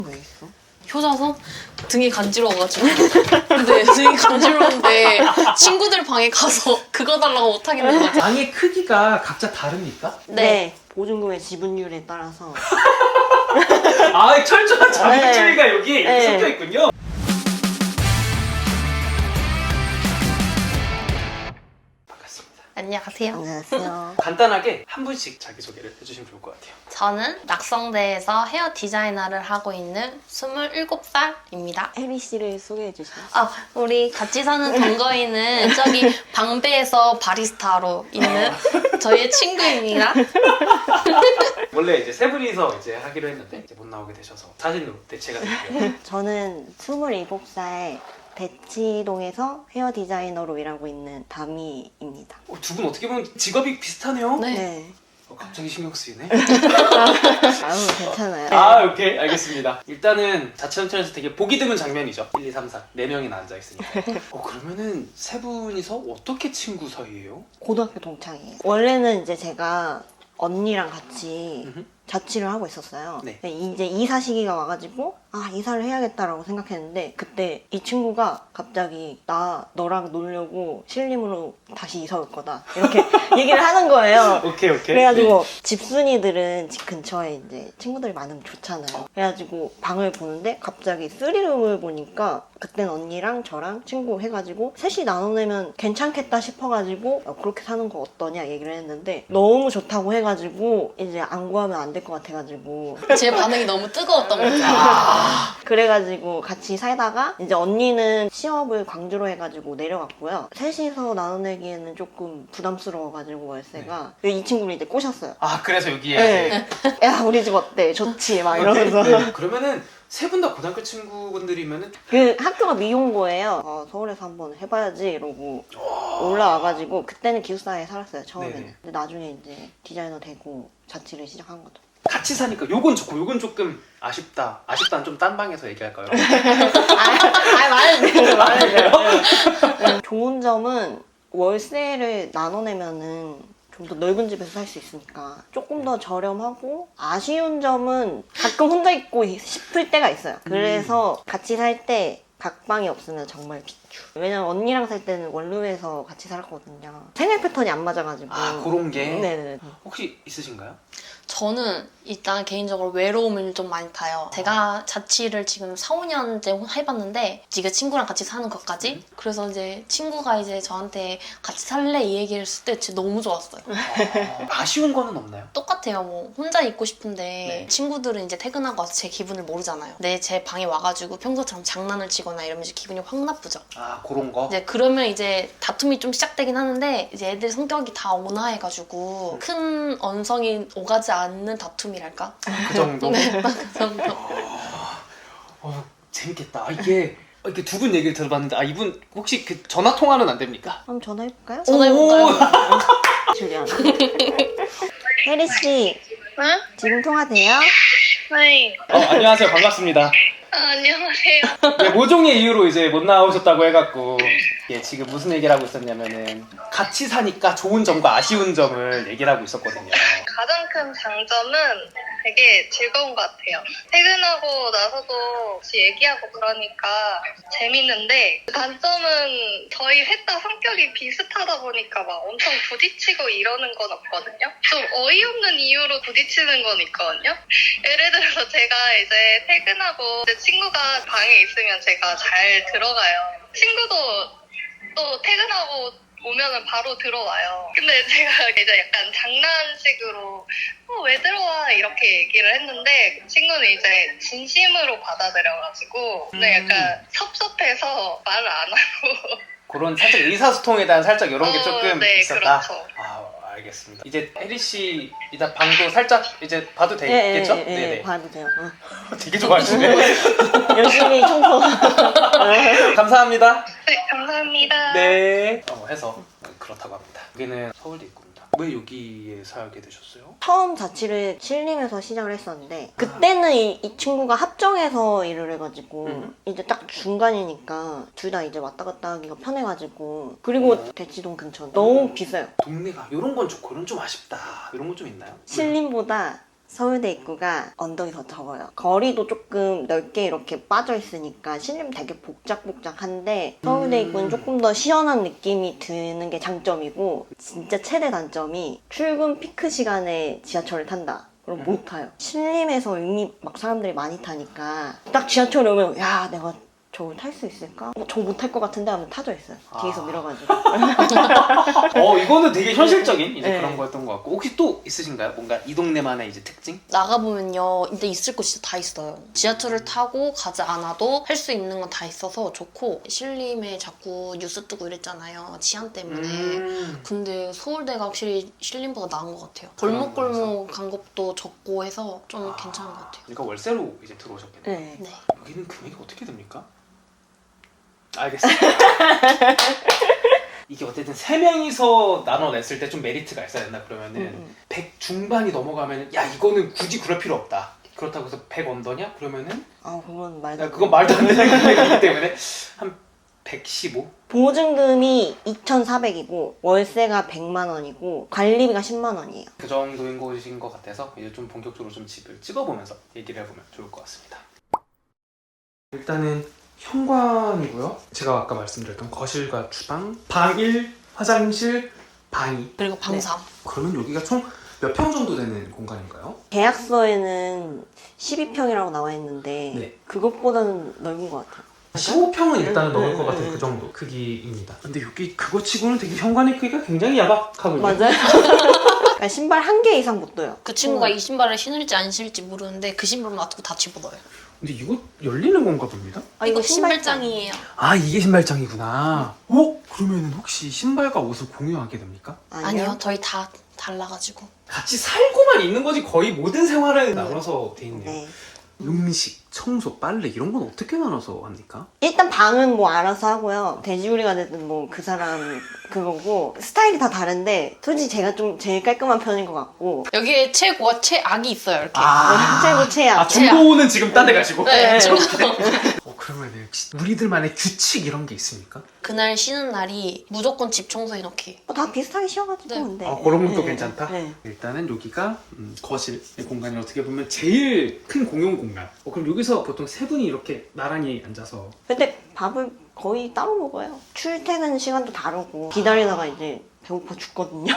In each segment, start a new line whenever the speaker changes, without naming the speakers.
왜 있어?
효자손? 등이 간지러워가지고. 근데 등이 간지러운데 친구들 방에 가서 그거 달라고 못 하겠는 거죠.
방의 크기가 각자 다릅니까?
네. 보증금의 지분율에 따라서.
아, 철저한 자본주의가
네.
여기
네.
섞여 있군요. 반갑습니다.
안녕하세요.
안녕하세요.
간단하게 한 분씩 자기소개를 해주시면 좋을 것 같아요.
저는 낙성대에서 헤어 디자이너를 하고 있는 27살입니다.
혜리 씨를 소개해 주시죠.
우리 같이 사는 동거인은 저기 방배에서 바리스타로 있는 저희의 친구입니다.
원래 이제 세 분이서 이제 하기로 했는데 이제 못 나오게 되셔서 사진으로 대체가 됐고요.
저는 27살 대치동에서 헤어 디자이너로 일하고 있는 다미입니다.
두 분 어떻게 보면 직업이 비슷하네요.
네.
갑자기 신경 쓰이네.
아유, 괜찮아요.
아, 오케이. 알겠습니다. 일단은 자체연출에서 되게 보기 드문 장면이죠. 1, 2, 3, 4. 4명이나 앉아있으니까. 그러면은 세 분이서 어떻게 친구 사이예요?
고등학교 동창이에요. 원래는 이제 제가 언니랑 같이
음흠.
자취를 하고 있었어요.
네.
근데 이제 이사 시기가 와가지고 이사를 해야겠다라고 생각했는데 그때 이 친구가 갑자기 나 너랑 놀려고 신림으로 다시 이사 올 거다 이렇게 얘기를 하는 거예요.
오케이.
그래가지고 집순이들은 집 근처에 이제 친구들이 많으면 좋잖아요. 그래가지고 방을 보는데 갑자기 3룸을 보니까 그땐 언니랑 저랑 친구 해가지고 셋이 나눠내면 괜찮겠다 싶어가지고 그렇게 사는 거 어떠냐 얘기를 했는데 너무 좋다고 해가지고 이제 안 구하면 안 될 것 같아가지고
제 반응이 너무 뜨거웠던 거죠.
그래가지고 같이 살다가 이제 언니는 취업을 광주로 해가지고 내려갔고요. 셋이서 나눠내기에는 조금 부담스러워가지고 월세가 이 친구를 이제 꼬셨어요.
아, 그래서 여기에.
네. 야 우리 집 어때? 좋지? 막 이러면서
네. 그러면은 세 분 다 고등학교 친구분들이면은
그 학교가 미용고예요. 서울에서 한번 해봐야지 이러고 올라와가지고 그때는 기숙사에 살았어요 처음에는.
네네.
근데 나중에 이제 디자이너 되고 자취를 시작한 거죠.
같이 사니까 요건 좋고 요건 조금 아쉽다. 아쉽다는 좀 딴 방에서 얘기할까요?
말해도 돼요. 좋은 점은 월세를 나눠내면은 좀 더 넓은 집에서 살 수 있으니까 조금 더 저렴하고, 아쉬운 점은 가끔 혼자 있고 싶을 때가 있어요. 그래서 같이 살 때 각 방이 없으면 정말 비추. 왜냐면 언니랑 살 때는 원룸에서 같이 살았거든요. 생활 패턴이 안 맞아가지고.
그런 게
네네.
혹시 있으신가요?
저는 일단 개인적으로 외로움을 좀 많이 타요. 제가 자취를 지금 4, 5년째 해봤는데 지금 친구랑 같이 사는 것까지. 그래서 이제 친구가 이제 저한테 같이 살래 이 얘기를 했을 때 진짜 너무 좋았어요.
아쉬운 거는 없나요?
똑같아요. 뭐 혼자 있고 싶은데
네.
친구들은 이제 퇴근하고 와서 제 기분을 모르잖아요. 근데 제 방에 와가지고 평소처럼 장난을 치거나 이러면 이제 기분이 확 나쁘죠.
그런 거?
이제 그러면 이제 다툼이 좀 시작되긴 하는데 이제 애들 성격이 다 온화해가지고 큰 언성이 오가지 않는 다툼이랄까?
그 정도?
네, 딱 그 정도.
재밌겠다. 이게 두 분 얘기를 들어봤는데 이분 혹시 그 전화 통화는 안 됩니까?
한번 전화해볼까요?
전화해볼까요?
줄리안. 혜리씨,
응?
지금 통화돼요?
네.
안녕하세요. 반갑습니다.
안녕하세요.
네, 모종의 이유로 이제 못 나오셨다고 해갖고 지금 무슨 얘기를 하고 있었냐면은 같이 사니까 좋은 점과 아쉬운 점을 얘기를 하고 있었거든요.
가장 큰 장점은 되게 즐거운 것 같아요. 퇴근하고 나서도 같이 얘기하고 그러니까 재밌는데, 단점은 저희 셋 다 성격이 비슷하다 보니까 막 엄청 부딪히고 이러는 건 없거든요. 좀 어이없는 이유로 부딪히는 건 있거든요. 예를 들어서 제가 이제 퇴근하고 이제 친구가 방에 있으면 제가 잘 들어가요. 친구도 또 퇴근하고 오면은 바로 들어와요. 근데 제가 이제 약간 장난식으로 왜 들어와 이렇게 얘기를 했는데 그 친구는 이제 진심으로 받아들여가지고 근데 약간 섭섭해서 말을 안 하고
그런 살짝 의사소통에 대한 살짝 이런 게 조금
네,
있었다.
그렇죠.
알겠습니다. 이제 혜리 씨 이따 방도 살짝 이제 봐도 되겠죠?
네, 봐도 돼요.
되게 좋아하시네.
열심히 청소.
감사합니다.
네, 감사합니다.
네. 해서 그렇다고 합니다. 여기는 서울대 있습니다. 왜 여기에 살게 되셨어요?
처음 자취를 신림에서 시작을 했었는데 그때는 이 친구가 합정에서 일을 해가지고 이제 딱 중간이니까 둘 다 이제 왔다 갔다 하기가 편해가지고, 그리고 대치동 근처 너무 비싸요.
동네가 이런 건 좋고 이런 좀 아쉽다 이런 건 좀 있나요?
신림보다 서울대 입구가 언덕이 더 적어요. 거리도 조금 넓게 이렇게 빠져 있으니까 실림 되게 복작복작한데 서울대 입구는 조금 더 시원한 느낌이 드는 게 장점이고 진짜 최대 단점이 출근 피크 시간에 지하철을 탄다. 그럼 못 타요. 신림에서 이미 막 사람들이 많이 타니까 딱 지하철에 오면 야 내가 저걸 탈 수 있을까? 저 못 탈 것 같은데 하면 타져 있어요. 뒤에서 밀어가지고.
이거는 되게 현실적인 이제
네.
그런 거였던 것 같고 혹시 또 있으신가요? 뭔가 이 동네만의 이제 특징?
나가보면요, 근데 있을 곳 진짜 다 있어요. 지하철을 타고 가지 않아도 할 수 있는 건 다 있어서 좋고, 신림에 자꾸 뉴스 뜨고 이랬잖아요. 치안 때문에. 근데 서울대가 확실히 신림보다 나은 것 같아요. 골목골목 간 것도 적고 해서 좀 괜찮은 것 같아요.
그러니까 월세로 이제 들어오셨겠네요.
네.
네.
여기는 금액이 어떻게 됩니까? 알겠습니다. 이게 어쨌든 3명이서 나눠냈을 때 좀 메리트가 있어야 된다 그러면은 100 중반이 넘어가면은 야 이거는 굳이 그럴 필요 없다. 그렇다고 해서 100 언더냐? 그러면은
그건 말도
야,
안
그건
돼요.
말도 안 되는 금액이기 때문에 한 115?
보증금이 2,400이고 월세가 100만 원이고 관리비가 10만 원이에요.
그 정도인 곳인 것 같아서 이제 좀 본격적으로 좀 집을 찍어보면서 얘기를 해보면 좋을 것 같습니다. 일단은 현관이고요. 제가 아까 말씀드렸던 거실과 주방, 방 1, 화장실, 방 2.
그리고 방 3.
그러면 여기가 총 몇 평 정도 되는 공간인가요?
계약서에는 12평이라고 나와 있는데
네.
그것보다는 넓은 것 같아요.
15평은 일단은 넘을 것
네,
같은
네,
그
네.
정도 크기입니다. 근데 여기 그거 치고는 되게 현관의 크기가 굉장히 야박하군요.
맞아요. 그러니까 신발 한 개 이상 못 둬요.
그 친구가 이 신발을 신을지 안 신을지 모르는데 그 신발만 놔두고 다 집어넣어요.
근데 이거 열리는 건가 봅니다.
이거 신발장이에요.
아 이게 신발장이구나. 그러면 혹시 신발과 옷을 공유하게 됩니까?
아니요, 저희 다 달라가지고.
같이 살고만 있는 거지 거의 모든 생활을 나눠서 돼 있네요.
네.
음식, 청소, 빨래 이런 건 어떻게 나눠서 합니까?
일단 방은 뭐 알아서 하고요. 돼지우리가 됐든 뭐 그 사람 그거고 스타일이 다 다른데 솔직히 제가 좀 제일 깔끔한 편인 것 같고
여기에 최고와 최악이 있어요, 이렇게.
최고 최악.
중고는 지금 딴 데 가시고?
네, 저
그러면 우리들만의 규칙 이런 게 있습니까?
그날 쉬는 날이 무조건 집 청소해 놓기.
다 비슷하게 쉬어가지고
네.
근데
그런 것도
네.
괜찮다?
네.
일단은 여기가 거실 공간이 어떻게 보면 제일 큰 공용 공간. 그럼 여기서 보통 세 분이 이렇게 나란히 앉아서
근데 밥을 거의 따로 먹어요. 출퇴근 시간도 다르고 기다리다가 이제 배고파 죽거든요.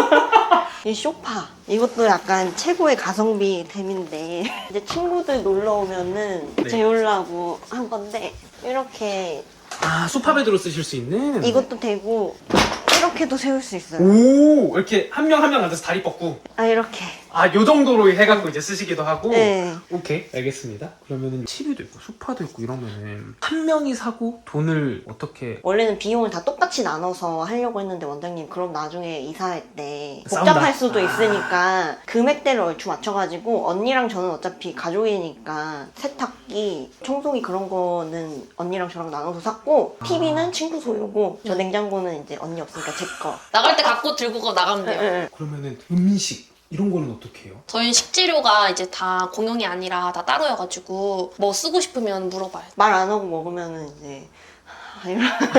이 소파 이것도 약간 최고의 가성비 템인데 이제 친구들 놀러 오면은
네.
재우려고 한 건데 이렇게
소파베드로 쓰실 수 있는
이것도 되고 이렇게도 세울 수 있어요.
오 이렇게 한 명 한 명 앉아서 다리 뻗고
이렇게.
요 정도로 해갖고 이제 쓰시기도 하고
네.
오케이 알겠습니다. 그러면은 TV도 있고 소파도 있고 이러면은 한 명이 사고 돈을 어떻게
원래는 비용을 다 똑같이 나눠서 하려고 했는데 원장님 그럼 나중에 이사할 때
싸운다.
복잡할 수도 있으니까 금액대를 얼추 맞춰가지고 언니랑 저는 어차피 가족이니까 세탁기, 청소기 그런 거는 언니랑 저랑 나눠서 샀고 TV는 친구 소유고 저 냉장고는 이제 언니 없으니까 제 거.
나갈 때 갖고 들고 나가면 돼요.
그러면은 음식 이런 거는 어떻게 해요?
저희는 식재료가 이제 다 공용이 아니라 다 따로여가지고 뭐 쓰고 싶으면 물어봐요.
말 안 하고 먹으면은 이제 이런.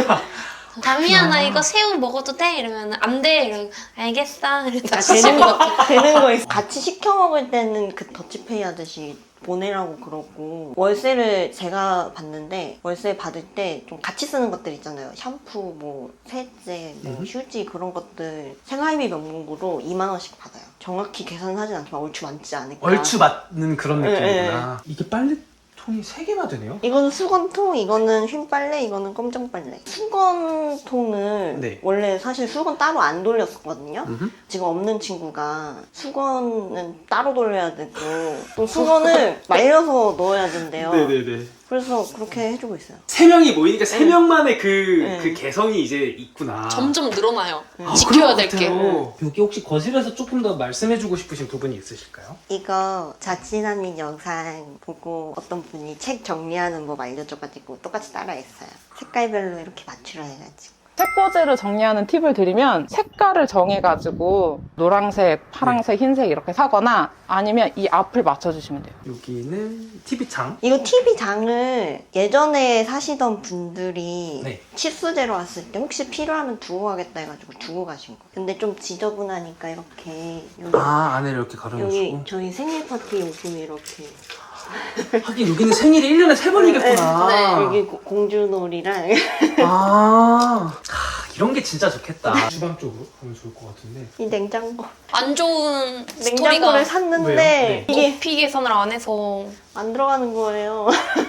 다미야 나 이거 새우 먹어도 돼? 이러면 안 돼. 이러면 알겠어. 이러면 다시
되는
집어넣고.
거 되는 거 있어. 같이 시켜 먹을 때는 그 더치페이 하듯이 보내라고 그러고 월세를 제가 받는데 월세 받을 때 좀 같이 쓰는 것들 있잖아요. 샴푸, 뭐 세제, 뭐 휴지 그런 것들 생활비 명목으로 2만 원씩 받아요. 정확히 계산하진 않지만 얼추 많지 않을까.
얼추 맞는 그런
네,
느낌이구나. 이게 빨래통이 3개나 되네요?
이거는 수건통, 이거는 흰빨래, 이거는 검정빨래. 수건통을
네.
원래 사실 수건 따로 안 돌렸었거든요.
음흠.
지금 없는 친구가 수건은 따로 돌려야 되고 또 수건을 말려서 넣어야 된대요.
네네네.
그래서 그렇게 해주고 있어요.
3명이 모이니까 3명만의 그
네.
개성이 이제 있구나.
점점 늘어나요.
그런
지켜야
것
될 게.
같아요. 여기 혹시 거실에서 조금 더 말씀해주고 싶으신 부분이 있으실까요?
이거 자취난민 영상 보고 어떤 분이 책 정리하는 법 알려줘가지고 똑같이 따라했어요. 색깔별로 이렇게 맞추라 해가지고.
책꽂이를 정리하는 팁을 드리면 색깔을 정해가지고 노란색, 파란색, 흰색 이렇게 사거나 아니면 이 앞을 맞춰주시면 돼요.
여기는 TV창.
이거 TV장을 예전에 사시던 분들이
네.
치수제로 왔을 때 혹시 필요하면 두고 가겠다 해가지고 두고 가신 거예요. 근데 좀 지저분하니까 이렇게 여기,
안에를 이렇게
여기
가려놓으시고.
저희 생일 파티 용품이 이렇게
하긴 여기는 생일이 1년에 3번이겠구나.
네.
여기 공주놀이랑
이런 게 진짜 좋겠다. 주방 쪽으로 가면 좋을 것 같은데.
이 냉장고
안 좋은 스토리가
냉장고를 샀는데
왜요? 네.
이게
높이 계산을 안 해서
안 들어가는 거예요.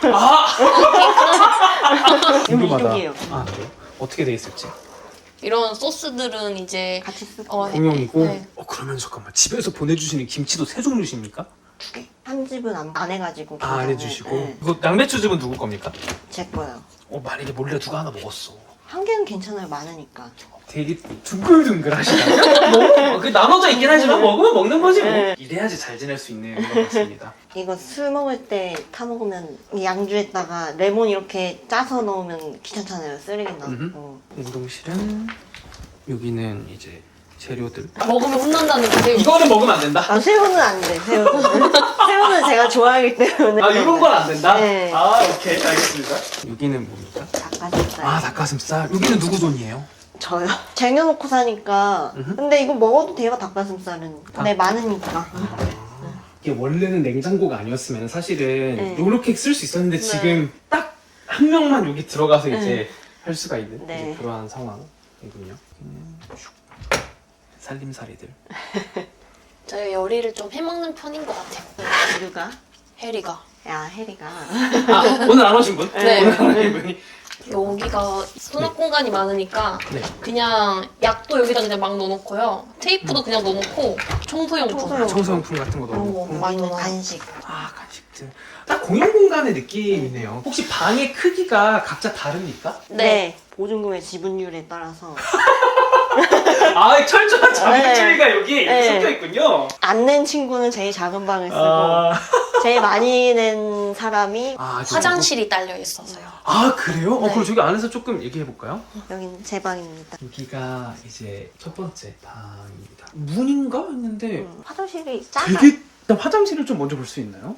이쪽이에요.
아, 그래요? 어떻게 돼 있을지.
이런 소스들은 이제
같이 쓰고
공용이고.
네.
그러면 잠깐만. 집에서 보내주시는 김치도 세 종류십니까?
두 개. 한 집은 안 해가지고
안
계산을.
해주시고.
네,
이거 양배추즙은 누구 겁니까?
제 거요.
만약에 몰래 누가 하나 먹었어.
한 개는 괜찮아요. 많으니까.
되게 둥글둥글 하시다. 그 나눠져 있긴 하지만 먹으면 먹는 거지 뭐.
네.
이래야지 잘 지낼 수 있는 것 같습니다.
이거 술 먹을 때 타 먹으면 이 양주에다가 레몬 이렇게 짜서 넣으면 귀찮잖아요. 쓰레기 나고.
운동실은 여기는 이제 재료들.
먹으면 혼난다는 게
이거는 먹으면 안 된다.
아 새우는 안 돼. 새우는 새우는 제가 좋아하기 때문에.
이런 건 안 된다?
네.
오케이 알겠습니다. 여기는 뭡니까?
닭가슴살.
닭가슴살. 여기는 누구 돈이에요?
저요. 쟁여놓고 사니까. 근데 이거 먹어도 돼요. 닭가슴살은. 근데 많으니까.
이게 원래는 냉장고가 아니었으면 사실은
네.
이렇게 쓸 수 있었는데 지금 딱 한 명만 여기 들어가서 이제 할 수가 있는
네.
이제 그러한 상황이군요. 살림살이들.
저희 요리를 좀 해먹는 편인 것 같아요.
누가?
해리가.
야 혜리가.
오늘 안 오신 분?
네.
오늘 안 오신 분이.
여기가 수납 공간이 많으니까
네.
그냥 약도 여기다 그냥 막 넣어놓고요. 테이프도 그냥 넣어놓고 청소용품.
청소용.
청소용품 같은 거
그런 거
넣어놓고.
많이
이거는
넣어.
간식.
간식들. 딱 공용 공간의 느낌이네요. 혹시 방의 크기가 각자 다릅니까?
네. 보증금의 지분율에 따라서
철저한 자본주의가 여기
네.
섞여 있군요.
안 낸 친구는 제일 작은 방을 쓰고 제일 많이 낸 사람이
화장실이 딸려 있어서요.
그래요?
네.
그럼 저기 안에서 조금 얘기해 볼까요?
여기는 제 방입니다.
여기가 이제 첫 번째 방입니다. 문인가 했는데
화장실이 작아.
되게 일단 화장실을 좀 먼저 볼 수 있나요?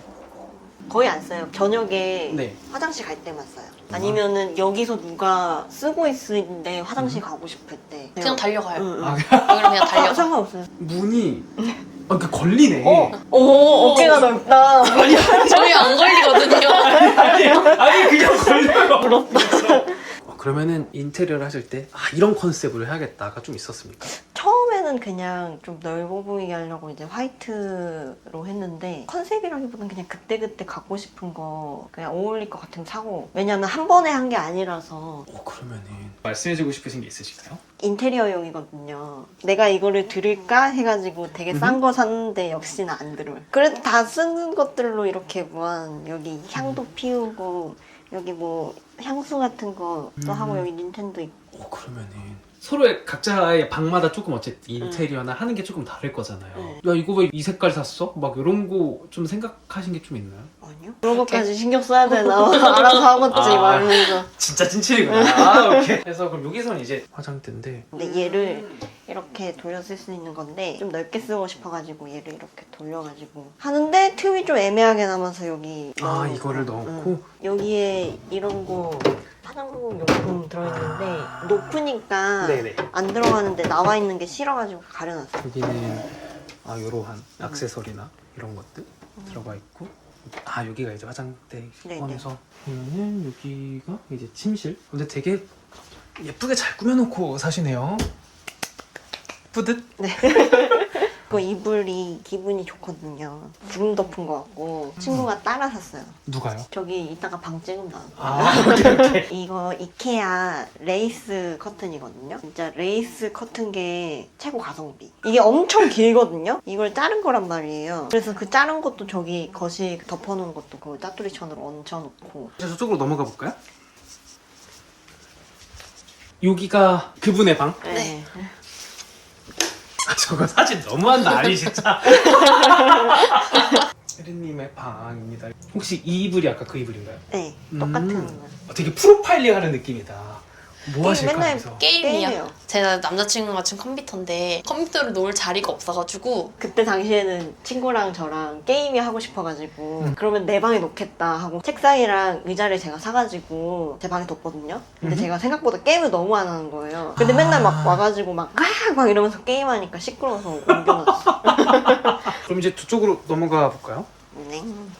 거의 안 써요. 저녁에
네.
화장실 갈 때만 써요. 아니면은 여기서 누가 쓰고 있는데 화장실 가고 싶을 때
그냥 달려가요.
응, 응.
여기로 그냥 달려가.
상관없어요.
문이 걸리네.
오 어깨가 넓다.
저희 안 걸리거든요.
아니 그냥 걸려요. 부럽다. 그러면은 인테리어를 하실 때 이런 컨셉으로 해야겠다가 좀 있었습니까?
처음에는 그냥 좀 넓어 보이게 하려고 이제 화이트로 했는데 컨셉이라기보다는 그냥 그때그때 갖고 싶은 거 그냥 어울릴 것 같으면 사고 왜냐면 한 번에 한 게 아니라서
그러면은 말씀해주고 싶으신 게 있으실까요?
인테리어용이거든요. 내가 이거를 들을까 해가지고 되게 싼 거 샀는데 역시나 안 들어요. 그래도 다 쓰는 것들로 이렇게 무한 여기 향도 피우고 여기 뭐 향수 같은 것도 하고 여기 닌텐도 있고
그러면은 서로의 각자의 방마다 조금 어쨌든 인테리어나 하는 게 조금 다를 거잖아요. 야 이거 왜 이 색깔 샀어? 막 이런 거 좀 생각하신 게 좀 있나요?
아니요? 그런 것까지 신경 써야 되나 알아서 하겠지 말면서
진짜 찐칠이구나. 오케이. 그래서 그럼 여기서는 이제 화장대인데
근데 얘를 이렇게 돌려 쓸 수 있는 건데 좀 넓게 쓰고 싶어가지고 얘를 이렇게 돌려가지고 하는데 틈이 좀 애매하게 남아서 여기 넣어놓고.
이거를 넣고
여기에 이런 거 화장품 용품 들어있는데 높으니까
네네.
안 들어가는데 나와 있는 게 싫어가지고 가려놨어요.
여기는 요러한 액세서리나 이런 것들 들어가 있고 여기가 이제 화장대
네네.
포함해서 그러면은 여기가 이제 침실. 근데 되게 예쁘게 잘 꾸며놓고 사시네요. 뿌듯?
그 이불이 기분이 좋거든요. 구름 덮은 거 같고 친구가 따라 샀어요.
누가요?
저기 이따가 방 찍으면 나올 거예요. 이거 이케아 레이스 커튼이거든요. 진짜 레이스 커튼 게 최고 가성비. 이게 엄청 길거든요. 이걸 자른 거란 말이에요. 그래서 그 자른 것도 저기 거실 덮어놓은 것도 그 짜투리천으로 얹혀놓고.
저쪽으로 넘어가 볼까요? 여기가 그분의 방?
네.
저거 사진 너무한다 아니 진짜. 혜리님의 방입니다. 혹시 이 이불이 아까 그 이불인가요?
네. 똑같은 거.
되게 프로파일링 하는 느낌이다. 뭐 하실까
맨날
해서.
게임이요.
게임이요.
제가 남자친구가 지금 컴퓨터인데 컴퓨터를 놓을 자리가 없어가지고
그때 당시에는 친구랑 저랑 게임이 하고 싶어가지고 그러면 내 방에 놓겠다 하고 책상이랑 의자를 제가 사가지고 제 방에 뒀거든요. 근데 제가 생각보다 게임을 너무 안 하는 거예요. 근데 맨날 막 와가지고 막 이러면서 게임하니까 시끄러워서 옮겨놨어.
그럼 이제 저쪽으로 넘어가 볼까요?
네.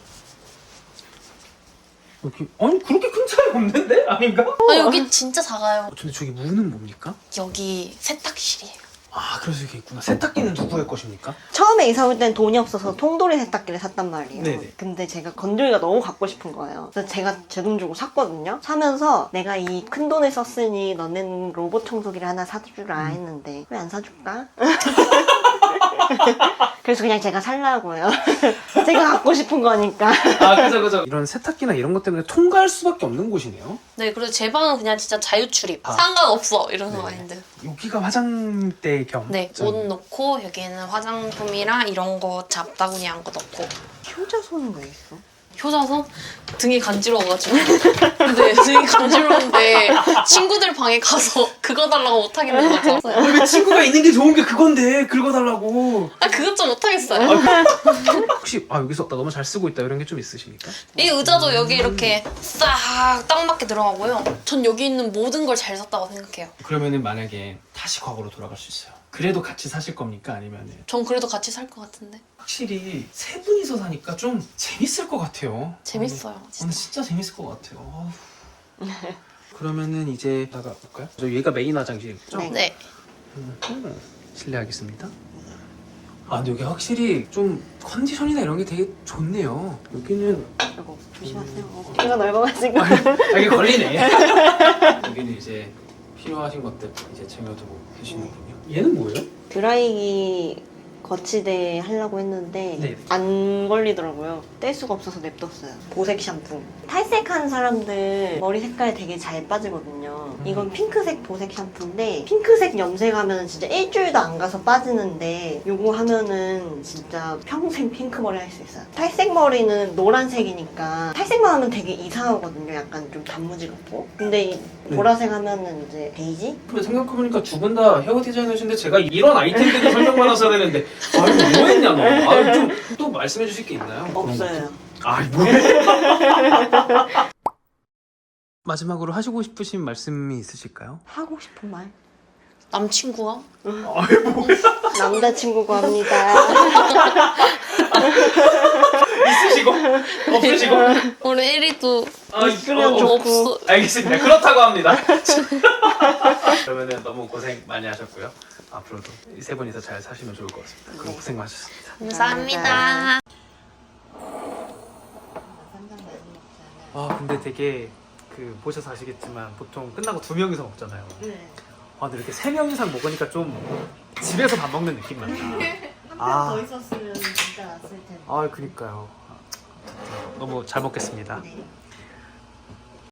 여기 아니 그렇게 큰 차이 없는데? 아닌가?
아 여기 진짜 작아요.
근데 저기 문은 뭡니까?
여기 세탁실이에요.
아 그래서 이게 있구나. 세탁기는 누구의 것입니까?
처음에 이사 올 땐 돈이 없어서 통돌이 세탁기를 샀단 말이에요.
네네.
근데 제가 건조기가 너무 갖고 싶은 거예요. 그래서 제가 제 돈 주고 샀거든요. 사면서 내가 이 큰 돈을 썼으니 너는 로봇 청소기를 하나 사주라 했는데 왜 안 사줄까? 그래서 그냥 제가 살라고요. 제가 갖고 싶은 거니까.
아 그죠. 이런 세탁기나 이런 것 때문에 통과할 수밖에 없는 곳이네요.
네, 그래서 제 방은 그냥 진짜 자유 출입. 상관없어 이러는
네.
마인드.
여기가 화장대 겸.
네, 옷 넣고 여기에는 화장품이랑 이런 거 잡다구니한 거 넣고.
효자손은 왜 있어?
효자손? 등이 간지러워가지고. 근데 등이 간지러운데 친구들 방에 가서 그거 달라고 못하겠는 거죠.
왜 친구가 있는 게 좋은 게 그건데 긁어달라고.
아, 그것 좀 못하겠어요.
혹시 여기서 나 너무 잘 쓰고 있다 이런 게 좀 있으십니까?
이 의자도 여기 이렇게 싹 딱 맞게 들어가고요. 전 여기 있는 모든 걸 잘 샀다고 생각해요.
그러면은 만약에 다시 과거로 돌아갈 수 있어요. 그래도 같이 사실 겁니까? 아니면은
전 그래도 같이 살 것 같은데.
확실히 세 분이서 사니까 좀 재밌을 것 같아요.
재밌어요,
진짜. 진짜 재밌을 것 같아요. 그러면은 이제 나가볼까요? 저 얘가 메인 화장실이죠?
네.
네.
실례하겠습니다. 아 근데 여기 확실히 좀 컨디션이나 이런 게 되게 좋네요. 여기는
이거 조심하세요. 귀가 넓어가지고.
이게 걸리네. 여기는 이제 필요하신 것들 이제 쟁여두고 계시는군요. 얘는 뭐예요?
드라이기 거치대 하려고 했는데
네.
안 걸리더라고요. 뗄 수가 없어서 냅뒀어요. 보색 샴푸. 탈색한 사람들 머리 색깔 되게 잘 빠지거든요. 이건 핑크색 보색 샴푸인데 핑크색 염색하면 진짜 일주일도 안 가서 빠지는데 이거 하면은 진짜 평생 핑크 머리 할 수 있어요. 탈색 머리는 노란색이니까 탈색만 하면 되게 이상하거든요. 약간 좀 단무지 같고. 근데 이 보라색 하면은 이제 베이지?
근데 생각해보니까 두 분 다 헤어 디자이너신데 제가 이런 아이템들을 설명받았어야 되는데 아유 뭐 했냐 너. 아유 좀 또 말씀해 주실 게 있나요?
없어요.
아이 뭐야. 마지막으로 하시고 싶으신 말씀이 있으실까요?
하고 싶은 말?
남친구가?
아이 뭐야.
남자친구가 합니다.
있으시고 없으시고
우리 1위도
있으면 좋고.
없어.
알겠습니다. 그렇다고 합니다. 그러면은 너무 고생 많이 하셨고요. 앞으로도 이 세 분이서 잘 사시면 좋을 것 같습니다. 그럼
네.
고생 많으셨습니다.
감사합니다.
아 근데 되게 보셔서 아시겠지만 보통 끝나고 2명이서 먹잖아요.
네.
아 근데 이렇게 3명 이상 먹으니까 좀 집에서 밥 먹는 느낌 난다.
한 명 더 있었으면 진짜 낫을 텐데.
아 그니까요. 너무 잘 먹겠습니다.
네.